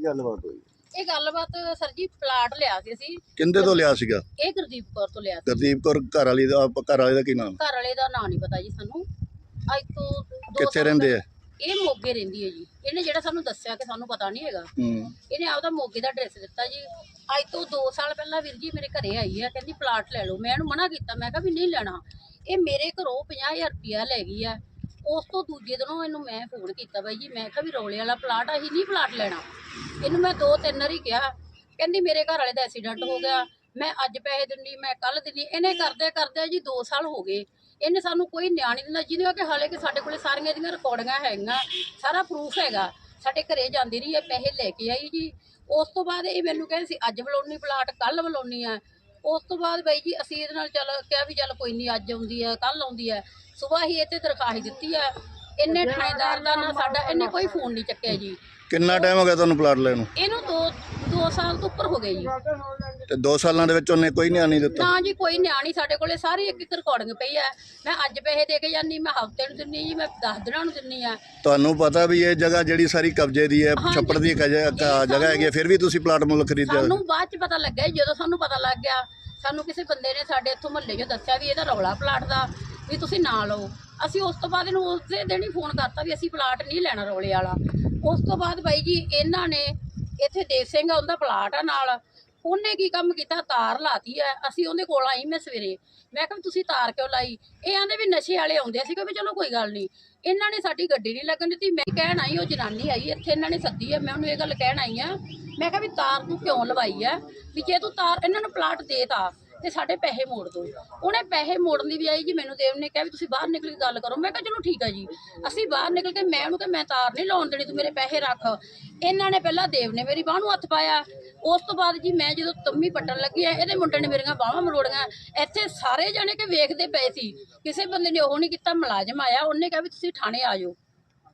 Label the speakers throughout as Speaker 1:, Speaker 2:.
Speaker 1: ਗੱਲਬਾਤ ਹੋਈ?
Speaker 2: ਇਹ ਗੱਲਬਾਤ ਸਰ ਜੀ ਪਲਾਟ ਲਿਆ ਸੀ ਅਸੀਂ।
Speaker 1: ਕਿੰਦੇ ਤੋਂ ਲਿਆ ਸੀਗਾ?
Speaker 2: ਇਹ ਗੁਰਦੀਪ ਕੌਰ ਤੋਂ ਲਿਆ ਸੀ।
Speaker 1: ਗੁਰਦੀਪ ਕੌਰ ਘਰ ਵਾਲੇ ਦਾ ਕੀ ਨਾਮ?
Speaker 2: ਘਰ ਵਾਲੇ ਦਾ ਨਾਂ ਨਹੀਂ ਪਤਾ ਜੀ ਸਾਨੂੰ। ਅੱਜ ਤੋਂ 2
Speaker 1: ਕਿੱਥੇ ਰਹਿੰਦੇ ਆ?
Speaker 2: ਇਹ ਮੋਗੇ ਰਹਿੰਦੀ ਹੈ ਜੀ। ਇਹਨੇ ਜਿਹੜਾ ਸਾਨੂੰ ਦੱਸਿਆ ਕਿ ਸਾਨੂੰ ਪਤਾ ਨਹੀਂ ਹੈਗਾ, ਇਹਨੇ ਆਪਦਾ ਮੋਗੇ ਦਾ ਐਡਰੈਸ ਦਿੱਤਾ ਜੀ। ਅੱਜ ਤੋਂ 2 ਸਾਲ ਪਹਿਲਾਂ ਵੀਰ ਜੀ ਮੇਰੇ ਘਰੇ ਆਈ ਹੈ, ਕਹਿੰਦੀ ਪਲਾਟ ਲੈ ਲਓ। ਮੈਂ ਇਹਨੂੰ ਮਨਾ ਕੀਤਾ, ਮੈਂ ਕਿਹਾ ਵੀ ਨਹੀਂ ਲੈਣਾ। ਇਹ ਮੇਰੇ ਘਰੋਂ 50,000 ਰੁਪਇਆ ਲੈ ਗਈ ਆ। ਉਸ ਤੋਂ ਦੂਜੇ ਦਿਨੋਂ ਇਹਨੂੰ ਮੈਂ ਫੋਨ ਕੀਤਾ, ਬਾਈ ਜੀ ਮੈਂ ਕਿਹਾ ਵੀ ਰੌਲੇ ਵਾਲਾ ਪਲਾਟ ਆ, ਅਸੀਂ ਨਹੀਂ ਪਲਾਟ ਲੈਣਾ। ਇਹਨੂੰ ਮੈਂ 2-3 ਵਾਰੀ ਕਿਹਾ, ਕਹਿੰਦੀ ਮੇਰੇ ਘਰ ਵਾਲੇ ਦਾ ਐਕਸੀਡੈਂਟ ਹੋ ਗਿਆ, ਮੈਂ ਅੱਜ ਪੈਸੇ ਦਿੰਦੀ, ਮੈਂ ਕੱਲ ਦਿੰਦੀ। ਇਹਨੇ ਕਰਦੇ ਜੀ 2 ਸਾਲ ਹੋ ਗਏ। ਇਹਨੇ ਸਾਨੂੰ ਕੋਈ ਨਿਆਂ ਨਹੀਂ ਦਿੰਦਾ, ਜਿਹਦੇ ਕਿ ਹਾਲੇ ਕਿ ਸਾਡੇ ਕੋਲੇ ਸਾਰੀਆਂ ਦੀਆਂ ਰਿਕਾਰਡਿੰਗਾਂ ਹੈਗੀਆਂ, ਸਾਰਾ ਪ੍ਰੂਫ ਹੈਗਾ। ਸਾਡੇ ਘਰੇ ਜਾਂਦੀ ਰਹੀ ਹੈ, ਪੈਸੇ ਲੈ ਕੇ ਆਈ ਜੀ। ਉਸ ਤੋਂ ਬਾਅਦ ਇਹ ਮੈਨੂੰ ਕਹਿੰਦੀ ਸੀ ਅੱਜ ਬੁਲਾਉਣੀ ਪਲਾਟ, ਕੱਲ ਬੁਲਾਉਣੀ ਆ। ਉਸ ਤੋਂ ਬਾਅਦ ਬਾਈ ਜੀ ਅਸੀਂ ਇਹਦੇ ਨਾਲ ਕਿਹਾ ਵੀ ਚੱਲ ਕੋਈ ਨਹੀਂ, ਅੱਜ ਆਉਂਦੀ ਹੈ ਕੱਲ ਆਉਂਦੀ ਹੈ। ਸੁਬਾਹ ਹੀ ਇੱਥੇ ਦਰਖਾਸਤ ਦਿੱਤੀ ਹੈ। ਇਹਨੇ ਥਾਣੇਦਾਰ ਦਾ ਨਾ ਸਾਡਾ, ਇਹਨੇ ਕੋਈ ਫੋਨ ਨਹੀਂ ਚੱਕਿਆ ਜੀ।
Speaker 1: ਕਿੰਨਾ ਟਾਈਮ ਹੋ ਗਿਆ ਤੁਹਾਨੂੰ ਪਲਾਟ ਲੈਣ ਨੂੰ?
Speaker 2: ਇਹਨੂੰ 2 ਸਾਲ ਤੋਂ ਉੱਪਰ ਹੋ ਗਏ ਜੀ।
Speaker 1: ਤੇ 2 ਸਾਲਾਂ ਦੇ ਵਿੱਚ ਉਹਨੇ ਕੋਈ ਨਿਆਂ ਨਹੀਂ ਦਿੱਤਾ?
Speaker 2: ਨਾ ਜੀ, ਕੋਈ ਨਿਆਂ ਨਹੀਂ। ਸਾਡੇ ਕੋਲੇ ਸਾਰੀ ਇੱਕ ਰਿਕਾਰਡਿੰਗ ਪਈ ਹੈ। ਮੈਂ ਅੱਜ ਪੈਸੇ ਦੇ ਕੇ ਜਾਂਦੀ, ਮੈਂ ਹਫ਼ਤੇ ਨੂੰ ਦਿੰਨੀ ਜੀ, ਮੈਂ 10 ਦਿਨਾਂ ਨੂੰ ਦਿੰਨੀ ਆ।
Speaker 1: ਤੁਹਾਨੂੰ ਪਤਾ ਵੀ ਇਹ ਜਗ੍ਹਾ ਜਿਹੜੀ ਸਾਰੀ ਕਬਜ਼ੇ ਦੀ ਹੈ, ਛੱਪੜ ਦੀ ਜਗ੍ਹਾ ਹੈਗੀ, ਫਿਰ ਵੀ ਤੁਸੀਂ ਪਲਾਟ ਮੁੱਲ ਖਰੀਦਿਆ?
Speaker 2: ਸਾਨੂੰ ਬਾਅਦ ਚ ਪਤਾ ਲੱਗਿਆ। ਜਦੋਂ ਸਾਨੂੰ ਪਤਾ ਲੱਗ ਗਿਆ, ਸਾਨੂੰ ਕਿਸੇ ਬੰਦੇ ਨੇ ਸਾਡੇ ਇੱਥੋਂ ਮਹੱਲੇ 'ਚੋਂ ਦੱਸਿਆ ਵੀ ਇਹਦਾ ਰੌਲਾ ਪਲਾਟ ਦਾ, ਵੀ ਤੁਸੀਂ ਨਾ ਲਓ। ਅਸੀਂ ਉਸ ਤੋਂ ਬਾਅਦ ਇਹਨੂੰ ਉਸੇ ਦਿਨ ਹੀ ਫੋਨ ਕਰਤਾ ਵੀ ਅਸੀਂ ਪਲਾਟ ਨਹੀਂ ਲੈਣਾ ਰੌਲੇ ਵਾਲਾ। ਉਸ ਤੋਂ ਬਾਅਦ ਬਾਈ ਜੀ ਇਹਨਾਂ ਨੇ ਇੱਥੇ ਦੇਵ ਸਿੰਘ ਆ, ਉਹਦਾ ਪਲਾਟ ਆ ਨਾਲ। ਉਹਨੇ ਕੀ ਕੰਮ ਕੀਤਾ, ਤਾਰ ਲਾਤੀ ਹੈ। ਅਸੀਂ ਉਹਦੇ ਕੋਲ ਆਈ, ਮੈਂ ਸਵੇਰੇ, ਮੈਂ ਕਿਹਾ ਤੁਸੀਂ ਤਾਰ ਕਿਉਂ ਲਾਈ? ਇਹ ਆਂਦੇ ਵੀ ਨਸ਼ੇ ਵਾਲੇ ਆਉਂਦੇ ਸੀ ਕਿ ਵੀ ਚਲੋ ਕੋਈ ਗੱਲ ਨਹੀਂ। ਇਹਨਾਂ ਨੇ ਸਾਡੀ ਗੱਡੀ ਨਹੀਂ ਲੱਗਣ ਦਿੱਤੀ। ਮੈਂ ਕਹਿਣ ਆਈ, ਉਹ ਜਨਾਨੀ ਆਈ ਇੱਥੇ, ਇਹਨਾਂ ਨੇ ਸੱਦੀ ਹੈ, ਮੈਂ ਉਹਨੂੰ ਇਹ ਗੱਲ ਕਹਿਣ ਆਈ ਆ। ਮੈਂ ਕਿਹਾ ਵੀ ਤਾਰ ਤੂੰ ਕਿਉਂ ਲਵਾਈ ਹੈ? ਵੀ ਜੇ ਤੂੰ ਤਾਰ ਇਹਨਾਂ ਨੂੰ ਪਲਾਟ ਦੇਤਾ ਤੇ ਸਾਡੇ ਪੈਸੇ ਮੋੜ ਦੋ। ਉਹਨੇ ਪੈਸੇ ਮੋੜਨ ਦੀ ਬਜਾਏ ਜੀ ਮੈਨੂੰ ਦੇਵ ਨੇ ਕਿਹਾ ਵੀ ਤੁਸੀਂ ਬਾਹਰ ਨਿਕਲ ਕੇ ਗੱਲ ਕਰੋ। ਮੈਂ ਕਿਹਾ ਚਲੋ ਠੀਕ ਹੈ ਜੀ। ਅਸੀਂ ਬਾਹਰ ਨਿਕਲ ਕੇ ਮੈਂ ਉਹਨੂੰ ਕਿਹਾ ਮੈਂ ਤਾਰ ਨਹੀਂ ਲਾਉਣ ਦੇਣੀ, ਤੂੰ ਮੇਰੇ ਪੈਸੇ ਰੱਖ। ਇਹਨਾਂ ਨੇ ਪਹਿਲਾਂ ਦੇਵ ਨੇ ਮੇਰੀ ਬਾਂਹ ਨੂੰ ਹੱਥ ਪਾਇਆ। ਉਸ ਤੋਂ ਬਾਅਦ ਜੀ ਮੈਂ ਜਦੋਂ ਤੰਮੀ ਪੱਟਣ ਲੱਗੀ ਆ, ਇਹਦੇ ਮੁੰਡੇ ਨੇ ਮੇਰੀਆਂ ਬਾਹਾਂ ਮਰੋੜੀਆਂ। ਇੱਥੇ ਸਾਰੇ ਜਾਣੇ ਕਿ ਵੇਖਦੇ ਪਏ ਸੀ, ਕਿਸੇ ਬੰਦੇ ਨੇ ਉਹ ਨਹੀਂ ਕੀਤਾ। ਮੁਲਾਜ਼ਮ ਆਇਆ, ਉਹਨੇ ਕਿਹਾ ਵੀ ਤੁਸੀਂ ਥਾਣੇ ਆ ਜਾਓ।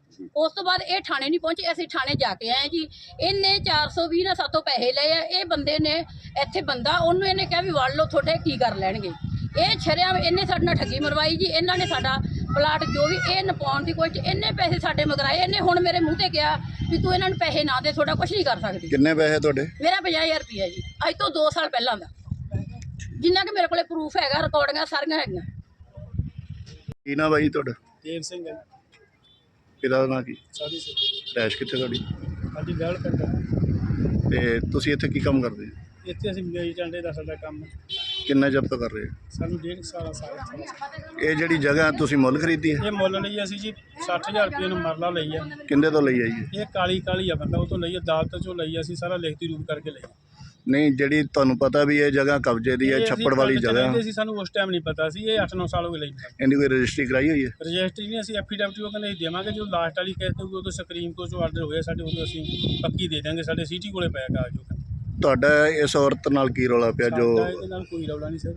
Speaker 2: ਉਸ ਤੋਂ ਬਾਅਦ ਇਹ ਥਾਣੇ ਨਹੀਂ ਪਹੁੰਚੇ, ਅਸੀਂ ਥਾਣੇ ਜਾ ਕੇ ਆਏ ਜੀ। ਇਹਨੇ 420 ਨਾਲ ਸਾਤੋਂ ਪੈਸੇ ਲਏ ਆ। ਇਹ ਬੰਦੇ ਨੇ ਇੱਥੇ ਬੰਦਾ, ਉਹਨੂੰ ਇਹਨੇ ਕਿਹਾ ਵੀ ਵੜ ਲਓ, ਤੁਹਾਡੇ ਕੀ ਕਰ ਲੈਣਗੇ। ਇਹ ਛਰਿਆ ਇਹਨੇ ਸਾਡੇ ਨਾਲ ਠੱਗੀ ਮਰਵਾਈ ਜੀ। ਇਹਨਾਂ ਨੇ ਸਾਡਾ ਪਲਾਟ ਜੋ ਵੀ ਇਹ ਨਪਾਉਣ ਦੀ ਕੋਸ਼ਿਸ਼, ਇਹਨੇ ਪੈਸੇ ਸਾਡੇ ਮਗਰਾਏ। ਇਹਨੇ ਹੁਣ ਮੇਰੇ ਮੂੰਹ ਤੇ ਕਿਹਾ ਵੀ ਤੂੰ ਇਹਨਾਂ ਨੂੰ ਪੈਸੇ ਨਾ ਦੇ, ਤੁਹਾਡਾ ਕੁਝ ਨਹੀਂ ਕਰ ਸਕਦੀ।
Speaker 1: ਕਿੰਨੇ ਪੈਸੇ ਤੁਹਾਡੇ?
Speaker 2: ਮੇਰਾ 50,000 ਰੁਪਇਆ ਜੀ, ਅੱਜ ਤੋਂ 2 ਸਾਲ ਪਹਿਲਾਂ ਦਾ, ਜਿੰਨਾ ਕਿ ਮੇਰੇ ਕੋਲੇ ਪ੍ਰੂਫ ਹੈਗਾ, ਰਿਕਾਰਡਿੰਗਾਂ ਸਾਰੀਆਂ ਹੈਗੀਆਂ।
Speaker 1: ਕੀ ਨਾ ਬਾਈ ਤੁਹਾਡਾ?
Speaker 3: ਦੇਵ ਸਿੰਘ ਹੈ।
Speaker 1: ਇਹਦਾ ਨਾਂ ਕੀ?
Speaker 3: ਸਾਡੀ ਸੇ
Speaker 1: ਰੈਸ਼ ਕਿੱਥੇ ਤੁਹਾਡੀ?
Speaker 3: ਸਾਡੀ ਵਿਆਹ ਪਿੰਡ ਹੈ।
Speaker 1: ਤੇ ਤੁਸੀਂ ਇੱਥੇ ਕੀ ਕੰਮ ਕਰਦੇ?
Speaker 3: ਇੱਥੇ ਅਸੀਂ ਮੇਰੀ ਟਾਂਡੇ ਦਾ ਸਾਡਾ ਕੰਮ ਹੈ।
Speaker 1: ਕਿੰਨਾ ਚਿਰ ਤੋਂ ਕਰ ਰਹੇ ਹੋ?
Speaker 3: ਸਾਨੂੰ 1.5 ਸਾਲ
Speaker 1: ਇਹ ਜਿਹੜੀ ਜਗ੍ਹਾ ਤੁਸੀਂ ਮੁੱਲ ਖਰੀਦੀ ਹੈ?
Speaker 3: ਇਹ ਮੁੱਲ ਲਈ ਅਸੀਂ ਜੀ 60,000 ਰੁਪਏ ਨੂੰ ਮਰਲਾ ਲਈ ਹੈ।
Speaker 1: ਕਿੰਦੇ ਤੋਂ ਲਈ ਹੈ ਜੀ?
Speaker 3: ਇਹ ਕਾਲੀ ਆ ਬੰਦਾ, ਉਹ ਤੋਂ ਲਈ, ਅਦਾਲਤ ਚੋਂ ਲਈ। ਅਸੀਂ ਸਾਰਾ ਲਿਖਤੀ ਰੂਪ ਕਰਕੇ ਲਈ।
Speaker 1: ਨਹੀਂ, ਜਿਹੜੀ ਤੁਹਾਨੂੰ ਪਤਾ ਵੀ ਇਹ ਜਗ੍ਹਾ ਕਬਜ਼ੇ ਦੀ ਹੈ, ਛੱਪੜ ਵਾਲੀ ਜਗ੍ਹਾ
Speaker 3: ਸੀ, ਸਾਨੂੰ ਉਸ ਟਾਈਮ ਨਹੀਂ ਪਤਾ ਸੀ। ਇਹ 8-9 ਸਾਲ ਹੋ ਗਏ ਲਈ।
Speaker 1: ਇਹਦੀ ਕੋਈ ਰਜਿਸਟਰੀ ਕਰਾਈ ਹੋਈ ਹੈ?
Speaker 3: ਰਜਿਸਟਰੀ ਨਹੀਂ, ਅਸੀਂ ਐਫੀਡੈਵਿਟ ਉਹ ਕਹਿੰਦੇ ਦੇਵਾਂਗੇ। ਜਦੋਂ ਲਾਸਟ ਵਾਲੀ ਕਹਿ ਤੇ ਉਦੋਂ ਸੁਪਰੀਮ ਕੋਰਟ ਚੋਂ ਆਰਡਰ ਹੋਇਆ ਸਾਡੇ, ਉਦੋਂ ਅਸੀਂ ਪੱਕੀ ਦੇ ਦਾਂਗੇ। ਸਾਡੇ ਸਿਟੀ ਕੋਲੇ ਪਿਆ ਕਾਗਜ਼।
Speaker 1: ਤੁਹਾਡਾ ਇਸ ਔਰਤ ਨਾਲ ਕੀ ਰੌਲਾ ਪਿਆ? ਜੋ
Speaker 3: ਇਹਦੇ ਨਾਲ ਕੋਈ ਰੌਲਾ ਨਹੀਂ ਸਰ,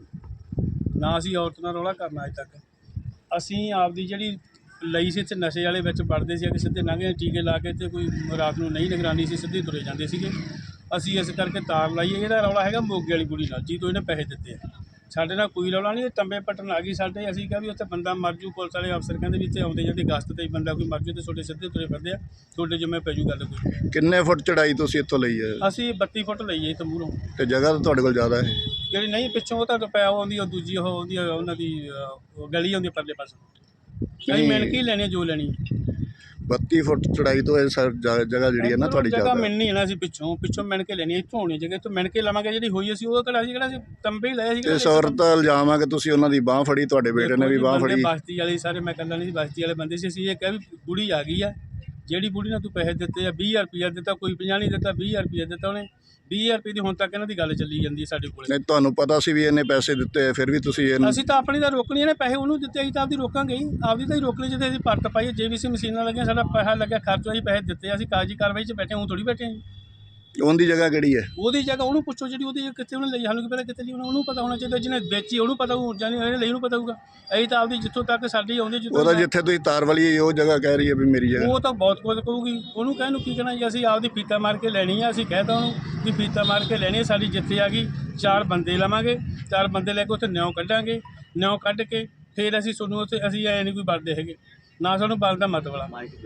Speaker 3: ਨਾ ਅਸੀਂ ਔਰਤ ਨਾਲ ਰੌਲਾ ਕਰਨਾ ਅੱਜ ਤੱਕ। ਅਸੀਂ ਆਪਦੀ ਜਿਹੜੀ ਲਈ ਸੀ, ਇੱਥੇ ਨਸ਼ੇ ਵਾਲੇ ਵਿੱਚ ਵੜਦੇ ਸੀ, ਕਿ ਸਿੱਧੇ ਲੰਘੇ ਟੀਕੇ ਲਾ ਕੇ, ਤੇ ਕੋਈ ਰਾਤ ਨੂੰ ਨਹੀਂ ਨਿਗਰਾਨੀ ਸੀ, ਸਿੱਧੇ ਤੁਰੇ ਜਾਂਦੇ ਸੀਗੇ। ਅਸੀਂ ਇਸ ਕਰਕੇ ਤਾਰ ਲਾਈਏ। ਇਹਦਾ ਰੌਲਾ ਹੈਗਾ ਮੋਗੇ ਵਾਲੀ ਕੁੜੀ ਨਾਲ, ਜੀ ਤੋਂ ਇਹਨੇ ਪੈਸੇ ਦਿੱਤੇ ਆ। ਸਾਡੇ ਨਾਲ ਕੋਈ ਰੌਲਾ ਨਹੀਂ। ਇਹ ਤੰਬੇ ਪੱਟਣ ਆ ਗਈ ਸਾਡੇ। ਅਸੀਂ ਕਿਹਾ ਵੀ ਉੱਥੇ ਬੰਦਾ ਮਰ ਜੂ। ਪੁਲਿਸ ਵਾਲੇ ਅਫਸਰ ਕਹਿੰਦੇ ਵੀ ਇੱਥੇ ਆਉਂਦੇ ਜਾਂਦੇ ਗਸਤ ਤੇ ਬੰਦਾ ਕੋਈ ਮਰ ਜੂ ਤੇ ਤੁਹਾਡੇ ਸਿੱਧੇ ਤੁਰੇ ਫਿਰਦੇ ਆ, ਤੁਹਾਡੇ ਜਿੰਮੇ ਪੈ ਜੂ ਗੱਲ ਕੋਈ।
Speaker 1: ਕਿੰਨੇ ਫੁੱਟ ਚੜਾਈ ਤੁਸੀਂ ਇੱਥੋਂ ਲਈ ਹੈ?
Speaker 3: ਅਸੀਂ 32 ਫੁੱਟ ਲਈਏ ਇੱਥੇ ਮੂਹਰੋਂ।
Speaker 1: ਤੇ ਜਗ੍ਹਾ ਤਾਂ ਤੁਹਾਡੇ ਕੋਲ ਜ਼ਿਆਦਾ ਹੈ?
Speaker 3: ਜਿਹੜੀ ਨਹੀਂ ਪਿੱਛੋਂ ਉਹ ਤਾਂ ਪਿਆ ਆਉਂਦੀ, ਉਹ ਦੂਜੀ ਉਹ ਆਉਂਦੀ, ਉਹਨਾਂ ਦੀ ਗਲੀ ਆਉਂਦੀ ਪਰਲੇ ਪਾਸੇ। ਅਸੀਂ ਮਿਣ ਕੇ ਹੀ ਲੈਣੀ ਜੋ ਲੈਣੀ।
Speaker 1: 32 ਫੁੱਟ ਚੜਾਈ ਤੋਂ ਇਹ ਜਗ੍ਹਾ ਜਿਹੜੀ ਹੈ ਨਾ ਤੁਹਾਡੀ
Speaker 3: ਜਗ੍ਹਾ ਮਿਲਣੀ ਹੈ ਨਾ। ਅਸੀਂ ਪਿੱਛੋਂ ਮਿਣ ਕੇ ਲੈਣੀ, ਇੱਥੋਂ ਹੋਣੀ ਜਗ੍ਹਾ, ਇੱਥੋਂ ਮਿਣ ਕੇ ਲਵਾਂਗੇ। ਜਿਹੜੀ ਹੋਈ ਅਸੀਂ ਉਹ ਕਿਹੜਾ ਅਸੀਂ ਤੰਬੇ ਹੀ ਲਏ ਸੀ।
Speaker 1: ਇਸ ਔਰਤ ਦਾ ਇਲਜ਼ਾਮ ਆ ਕਿ ਤੁਸੀਂ ਉਹਨਾਂ ਦੀ ਬਾਂਹ ਫੜੀ, ਤੁਹਾਡੇ ਬੇਟੇ ਨੇ ਵੀ ਬਾਂਹ ਫੜੀ।
Speaker 3: ਬਸਤੀ ਵਾਲੇ ਸਾਰੇ, ਮੈਂ ਇਕੱਲਾ ਨਹੀਂ ਸੀ, ਬਸਤੀ ਵਾਲੇ ਬੰਦੇ ਸੀ। ਅਸੀਂ ਇਹ ਕਿਹਾ ਵੀ ਬੁੜੀ ਆ ਗਈ ਆ, ਜਿਹੜੀ ਬੁੜੀ ਨਾਲ ਤੂੰ ਪੈਸੇ ਦਿੱਤੇ ਆ, 20,000 ਰੁਪਇਆ ਦਿੱਤਾ, ਕੋਈ 50 ਨਹੀਂ ਦਿੱਤਾ, 20,000 ਰੁਪਇਆ ਦਿੱਤਾ ਉਹਨੇ। 20,000 ਰੁਪਏ ਦੀ ਹੁਣ ਤੱਕ ਇਹਨਾਂ ਦੀ ਗੱਲ ਚੱਲੀ ਜਾਂਦੀ ਹੈ ਸਾਡੇ ਕੋਲ।
Speaker 1: ਨਹੀਂ, ਤੁਹਾਨੂੰ ਪਤਾ ਸੀ ਵੀ ਇਹਨੇ ਪੈਸੇ ਦਿੱਤੇ, ਫਿਰ ਵੀ ਤੁਸੀਂ
Speaker 3: ਅਸੀਂ ਤਾਂ ਆਪਣੀ ਤਾਂ ਰੋਕਣੀ, ਇਹਨੇ ਪੈਸੇ ਉਹਨੂੰ ਦਿੱਤੇ, ਅਸੀਂ ਤਾਂ ਆਪਦੀ ਰੋਕਾਂਗੇ ਹੀ। ਆਪਦੀ ਤਾਂ ਹੀ ਰੋਕ ਲਈ ਜਿੱਥੇ ਅਸੀਂ ਪਰਤ ਪਾਈਏ। JVC ਮਸ਼ੀਨਾਂ ਲੱਗੀਆਂ, ਸਾਡਾ ਪੈਸਾ ਲੱਗਿਆ, ਖਰਚ ਅਸੀਂ ਪੈਸੇ ਦਿੱਤੇ। ਅਸੀਂ ਕਾਗਜ਼ੀ ਕਾਰਵਾਈ 'ਚ ਬੈਠੇ, ਹੁਣ ਥੋੜੀ ਬੈਠੇ ਹਾਂ।
Speaker 1: ਉਹਦੀ ਜਗ੍ਹਾ ਕਿਹੜੀ ਹੈ?
Speaker 3: ਉਹਦੀ ਜਗ੍ਹਾ ਉਹਨੂੰ ਪੁੱਛੋ, ਜਿਹੜੀ ਉਹਦੀ ਕਿੱਥੇ ਉਹਨੇ ਲਈ। ਸਾਨੂੰ ਕੀ ਪਤਾ ਕਿੱਥੇ ਲਈ, ਉਹਨੂੰ ਪਤਾ ਹੋਣਾ ਚਾਹੀਦਾ। ਜਿਹਨੇ ਵੇਚੀ ਉਹਨੂੰ ਪਤਾ ਹੋਊ, ਜਾਨੀ ਇਹਨੇ ਲਈ ਉਹਨੂੰ ਪਤਾ ਹੋਊਗਾ। ਅਸੀਂ ਤਾਂ ਆਪਦੀ ਜਿੱਥੋਂ ਤੱਕ ਸਾਡੀ ਆਉਂਦੀ,
Speaker 1: ਉਹਦਾ ਜਿੱਥੇ ਤੁਸੀਂ ਤਾਰ ਵਾਲੀ ਹੈ ਉਹ ਜਗ੍ਹਾ ਕਹਿ ਰਹੀ ਹੈ ਵੀ ਮੇਰੀ ਜਗ੍ਹਾ।
Speaker 3: ਉਹ ਤਾਂ ਬਹੁਤ ਕੁਝ ਕਹੂਗੀ, ਉਹਨੂੰ ਕਹਿਣ ਨੂੰ ਕੀ ਕਹਿਣਾ ਜੀ। ਅਸੀਂ ਆਪਦੀ ਫੀਤਾ ਮਾਰ ਕੇ ਲੈਣੀ ਆ। ਅਸੀਂ ਕਹਿ ਤਾ ਉਹਨੂੰ ਵੀ ਫੀਤਾ ਮਾਰ ਕੇ ਲੈਣੀ ਹੈ। ਸਾਡੀ ਜਿੱਥੇ ਆ ਗਈ 4 ਬੰਦੇ ਲਵਾਂਗੇ, 4 ਬੰਦੇ ਲੈ ਕੇ ਉੱਥੇ ਨਿਉ ਕੱਢਾਂਗੇ। ਨਿਉ ਕੱਢ ਕੇ ਫਿਰ ਅਸੀਂ ਤੁਹਾਨੂੰ ਉੱਥੇ, ਅਸੀਂ ਐ ਨਹੀਂ ਕੋਈ ਵੜਦੇ ਹੈਗੇ, ਨਾ ਸਾਨੂੰ ਬਲਦਾ ਮਤ ਵਾਲਾ।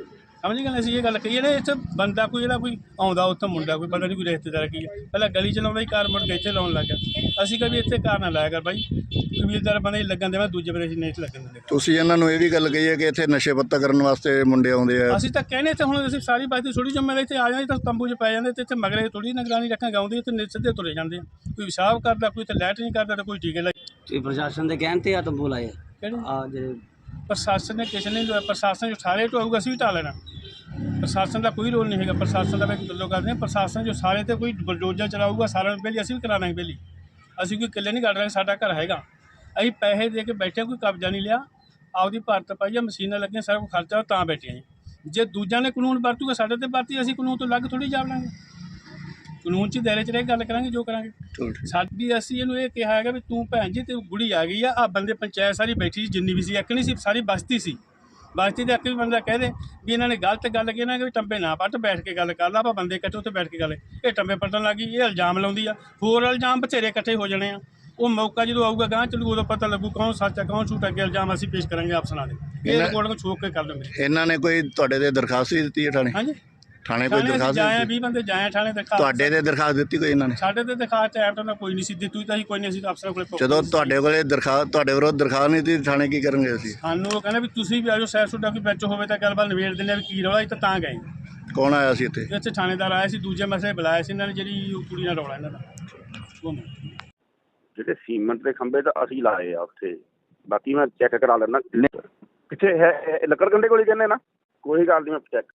Speaker 3: ਸਮਝ ਗਏ ਅਸੀਂ ਇਹ ਗੱਲ ਕਹੀ ਨੇ ਇੱਥੇ ਬੰਦਾ ਕੋਈ ਜਿਹੜਾ ਕੋਈ ਆਉਂਦਾ ਉੱਥੇ ਮੁੰਡਾ ਕੋਈ ਪਤਾ ਨਹੀਂ ਕੋਈ ਰਿਸ਼ਤੇਦਾਰ ਕੀ ਹੈ ਪਹਿਲਾਂ ਗਲੀ ਚ ਲਾਉਂਦਾ ਹੀ ਕਾਰ ਮੁੜ ਕੇ ਇੱਥੇ ਲਾਉਣ ਲੱਗ ਗਿਆ ਅਸੀਂ ਕਦੇ ਇੱਥੇ ਕਾਰ ਨਾ ਲਾਇਆ ਕਰ ਬਾਈ ਕਬੀਲਦਾਰ ਬੰਦੇ ਲੱਗਣ ਦੇਵਾਂ ਦੂਜੇ ਬੰਦੇ ਅਸੀਂ ਨਹੀਂ ਲੱਗਣ ਦਿੰਦੇ
Speaker 1: ਤੁਸੀਂ ਇਹਨਾਂ ਨੂੰ ਇਹ ਵੀ ਗੱਲ ਕਹੀ ਹੈ ਕਿ ਇੱਥੇ ਨਸ਼ੇ ਪੱਤਾ ਕਰਨ ਵਾਸਤੇ ਮੁੰਡੇ ਆਉਂਦੇ ਆ
Speaker 3: ਅਸੀਂ ਤਾਂ ਕਹਿੰਦੇ ਇੱਥੇ ਹੁਣ ਅਸੀਂ ਸਾਰੀ ਬਾਤ ਥੋੜੀ ਜ਼ਿੰਮੇਵਾਰੀ ਇੱਥੇ ਆ ਜਾਂਦੇ ਤਾਂ ਤੰਬੂ 'ਚ ਪੈ ਜਾਂਦੇ ਤੇ ਇੱਥੇ ਮਗਰੇ ਥੋੜੀ ਨਿਗਰਾਨੀ ਰੱਖਾਂ ਗਾਉਂਦੇ ਤੇ ਸਿੱਧੇ ਤੁਰੇ ਜਾਂਦੇ ਕੋਈ ਪਿਸ਼ਾਬ ਕਰਦਾ ਕੋਈ ਤੇ ਲੈਟ ਨਹੀਂ ਕਰਦਾ ਤੇ ਕੋਈ ਟੀਕੇ ਲਾਈ
Speaker 4: ਤੁਸੀਂ ਪ੍ਰਸ਼ਾਸਨ ਦੇ ਕਹਿਣ ਤੇ ਆ ਤੰਬੂ ਲਾਏ
Speaker 3: ਕਿਹੜੇ
Speaker 4: ਆ ਜਿਹੜੇ
Speaker 3: ਪ੍ਰਸ਼ਾਸਨ ਨੇ ਕਿਸੇ ਨੇ ਪ੍ਰਸ਼ਾਸਨ ਜੋ ਸਾਰੇ ਢੋਊਗਾ ਅਸੀਂ ਵੀ ਢਾ ਲੈਣਾ ਪ੍ਰਸ਼ਾਸਨ ਦਾ ਕੋਈ ਰੋਲ ਨਹੀਂ ਹੈਗਾ ਪ੍ਰਸ਼ਾਸਨ ਦਾ ਵੀ ਗੱਲੋਂ ਕਰਦੇ ਹਾਂ ਪ੍ਰਸ਼ਾਸਨ ਜੋ ਸਾਰੇ ਤੇ ਕੋਈ ਬਲਡੋਜ਼ਰ ਚਲਾਊਗਾ ਸਾਰਿਆਂ ਨੂੰ ਪਹਿਲੀ ਅਸੀਂ ਵੀ ਕਰਾਣਾ ਪਹਿਲੀ ਅਸੀਂ ਕੋਈ ਕਿੱਲੇ ਨਹੀਂ ਕੱਢ ਰਹੇ ਸਾਡਾ ਘਰ ਹੈਗਾ ਅਸੀਂ ਪੈਸੇ ਦੇ ਕੇ ਬੈਠੇ ਕੋਈ ਕਬਜ਼ਾ ਨਹੀਂ ਲਿਆ ਆਪਦੀ ਭਾਰਤ ਪਾਈ ਆ ਮਸ਼ੀਨਾਂ ਲੱਗੀਆਂ ਸਾਰਾ ਕੁਛ ਖਰਚਾ ਤਾਂ ਬੈਠੇ ਜੀ ਜੇ ਦੂਜਿਆਂ ਨੇ ਕਾਨੂੰਨ ਵਰਤੂਗਾ ਸਾਡੇ ਤੇ ਵਰਤੀ ਅਸੀਂ ਕਾਨੂੰਨ ਤੋਂ ਅਲੱਗ ਥੋੜੀ ਜਾਵ ਲਾਂਗੇ ਕਾਨੂੰਨ 'ਚ ਦਾਇਰੇ 'ਚ ਰਹਿ ਕੇ ਗੱਲ ਕਰਾਂਗੇ ਜੋ ਕਰਾਂਗੇ ਸਾਡੀ ਅਸੀਂ ਇਹਨੂੰ ਇਹ ਕਿਹਾ ਹੈਗਾ ਵੀ ਤੂੰ ਭੈਣ ਜੀ ਤੇ ਗੁੜੀ ਆ ਗਈ ਆ ਬੰਦੇ ਪੰਚਾਇਤ ਸਾਰੀ ਬੈਠੀ ਸੀ ਜਿੰਨੀ ਵੀ ਸੀ ਇੱਕ ਨਹੀਂ ਸੀ ਸਾਰੀ ਬਸਤੀ ਸੀ ਬਸਤੀ ਦੇ ਇੱਕ ਵੀ ਬੰਦਾ ਕਹਿ ਦੇ ਵੀ ਇਹਨਾਂ ਨੇ ਗਲਤ ਗੱਲ ਕੀ ਨਾ ਕਿ ਟੰਬੇ ਨਾ ਪੱਟ ਬੈਠ ਕੇ ਗੱਲ ਕਰ ਲਾ ਆਪਾਂ ਬੰਦੇ ਇਕੱਠੇ ਉੱਥੇ ਬੈਠ ਕੇ ਗੱਲ ਇਹ ਟੰਬੇ ਪੱਟਣ ਲੱਗੀ ਇਹ ਇਲਜ਼ਾਮ ਲਾਉਂਦੀ ਆ ਹੋਰ ਇਲਜ਼ਾਮ ਬਥੇਰੇ ਇਕੱਠੇ ਹੋ ਜਾਣੇ ਆ ਉਹ ਮੌਕਾ ਜਦੋਂ ਆਊਗਾ ਗਾਂ ਚੱਲੂ ਉਦੋਂ ਪਤਾ ਲੱਗੂ ਕੌਣ ਸੱਚ ਹੈ ਕੌਣ ਝੂਠ ਅੱਗੇ ਇਲਜ਼ਾਮ ਅਸੀਂ ਪੇਸ਼ ਕਰਾਂਗੇ ਆਪਸਨਾਂ ਦੇ ਇਹ ਰਿਪੋਰਟ ਨੂੰ ਛੋਕ ਕੇ ਕਰ ਲਵਾਂਗੇ
Speaker 1: ਇਹਨਾਂ ਨੇ ਕੋਈ ਤੁਹਾਡੇ ਤੇ ਦਰਖਾਸਤ ਵੀ ਦਿੱਤੀ ਹੈ ਥਾਣੇ
Speaker 3: ਹਾਂਜੀ
Speaker 1: ਥਾਣੇ ਕੋਈ ਦਰਖਾਸਤ
Speaker 3: ਜਾਏ
Speaker 1: ਦਿੱਤੀ
Speaker 3: 20 ਬੰਦੇ ਜਾਏ ਥਾਣੇ ਦਿਖਾ
Speaker 1: ਤੁਹਾਡੇ ਤੇ ਦਰਖਾਸਤ ਦਿੱਤੀ ਕੋਈ ਇਹਨਾਂ ਨੇ
Speaker 3: ਸਾਡੇ ਤੇ ਦਿਖਾ ਟਾਈਮ ਤਾਂ ਕੋਈ ਨਹੀਂ ਸੀ ਦਿੱਤੀ ਤਾਂ ਅਸੀਂ ਕੋਈ ਨਹੀਂ ਅਸੀਂ ਤਾਂ ਅਫਸਰਾਂ ਕੋਲੇ
Speaker 1: ਜਦੋਂ ਤੁਹਾਡੇ ਕੋਲੇ ਦਰਖਾਸਤ ਤੁਹਾਡੇ ਵਿਰੁੱਧ ਦਰਖਾਸਤ ਨਹੀਂ ਦਿੱਤੀ ਥਾਣੇ ਕੀ ਕਰਨਗੇ ਅਸੀਂ
Speaker 3: ਸਾਨੂੰ ਉਹ ਕਹਿੰਦੇ ਵੀ ਤੁਸੀਂ ਵੀ ਆਜੋ ਸੈਰ ਸੁੱਡਾ ਕੋਈ ਵਿੱਚ ਹੋਵੇ ਤਾਂ ਗੱਲਬਾਤ ਨਿਬੇੜ ਦਿੰਦੇ ਆ ਵੀ ਕੀ ਰੌਲਾ ਅਸੀਂ ਤਾਂ ਗਏ
Speaker 1: ਕੌਣ ਆਇਆ ਸੀ ਇੱਥੇ
Speaker 3: ਇੱਥੇ ਥਾਣੇਦਾਰ ਆਇਆ ਸੀ ਦੂਜੇ ਮਸਲੇ ਬੁਲਾਇਆ ਸੀ ਇਹਨਾਂ ਨੇ ਜਿਹੜੀ ਉਹ ਕੁੜੀ ਨਾਲ ਰੌਲਾ ਇਹਨਾਂ ਦਾ
Speaker 5: ਜਿਹੜੇ ਸੀਮੈਂਟ ਦੇ ਖੰਭੇ ਤਾਂ ਅਸੀਂ ਲਾਏ ਆ ਉੱਥੇ ਬਾਕੀ ਮੈਂ ਚੈੱਕ ਕਰਾ ਲੈਣਾ ਕਿੱਥੇ ਹੈ ਲੱਕੜ ਕੰਡੇ ਕੋਲ ਹੀ ਕਹਿੰਦੇ ਨਾ ਕੋਈ ਗੱਲ ਨਹੀਂ ਮੈਂ ਚੈੱਕ